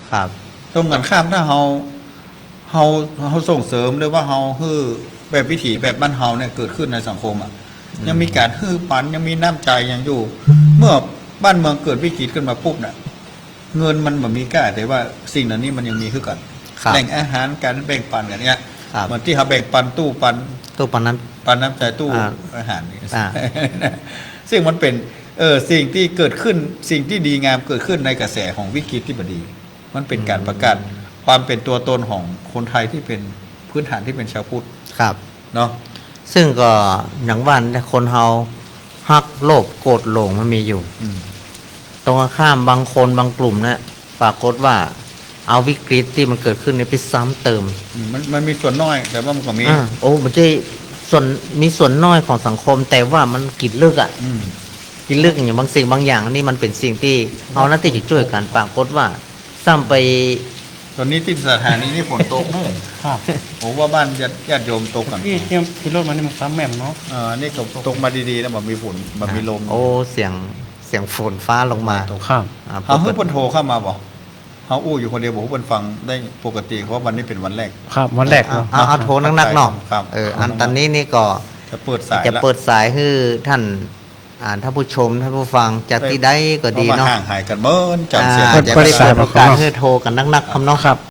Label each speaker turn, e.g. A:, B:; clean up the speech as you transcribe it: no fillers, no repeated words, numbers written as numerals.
A: ครับ
B: ตรงกันข้ามถ้าเฮาส่งเสริมหรือว่าเฮาฮื้อแบบวิถีแบบบ้านเฮาเนี่ยเกิดขึ้นในสังคมอ่ะยังมีการฮื้อปันยังมีน้ำใจยังอยู่ เมื่อบ้านเมืองเกิดวิกฤตขึ้นมาปุ๊บเนี่ยเงินมันแบบมีค่าแต่ว่าสิ่งเหล่านี้มันยังมีขึ้นกันแหล่งอาหารการแบ่งปันกันเนี่ยเหมือนที่เขาแบ่งปันตู้ปันน้ำใจตู้อาหารนี่ซึ่งมันเป็นสิ่งที่เกิดขึ้นสิ่งที่ดีงามเกิดขึ้นในกระแสของวิกฤตที่บดีมันเป็นการประกาศความเป็นตัวตนของคนไทยที่เป็นพื้นฐานที่เป็นชาวพุทธ
A: ครับ
B: เนาะ
A: ซึ่งก็อย่างว่าคนเฮาฮักโลภโกรธหลงมันมีอยู่ตรงข้ามบางคนบางกลุ่มนะปรากฏว่าเอาวิกฤตที่มันเกิดขึ้นในไปซ้ำเติม
B: มันมีส่วนน้อยแต่ว่ามันก็มี
A: มันจะมีส่วนน้อยของสังคมแต่ว่ามันกินลึกกินลึกอย่างบางสิ่งบางอย่างนี่มันเป็นสิ่งที่เอาหน้าที่จะช่วยกันปรากฏว่าซ้ำไป
B: ตอนนี้ที่สถานีนี่ฝนตกนู่นครับผมว่าบ้านญาติโยมตกกัน
C: ที่รถมันนี่มันซ้ำแม่มเนาะ
B: นี่ตกมาดีๆแล้วแบบมีฝนแบบมีลม
A: เสียงฝนฟ้าลงมา
C: ครับ
B: เขาเพิ่งโทรเข้ามาบอกเขาอู้อยู่คนเดียวบอกว่าเพิ่งฟังได้ปกติเพราะวันนี้เป็นวันแรก
C: ครับวันแรก
A: เอาโทรนักๆเนาะอันตอนนี้นี่ก็
B: จะเปิด
A: สายให้ท่านท่านผู้ชมท่านผู้ฟังจากที่ใดก็ดีเนาะ
B: ห่างหายกันเมินจำเสียง
A: จะได้เปิดโอกาสให้โทรกันนักๆคำเนาะครับ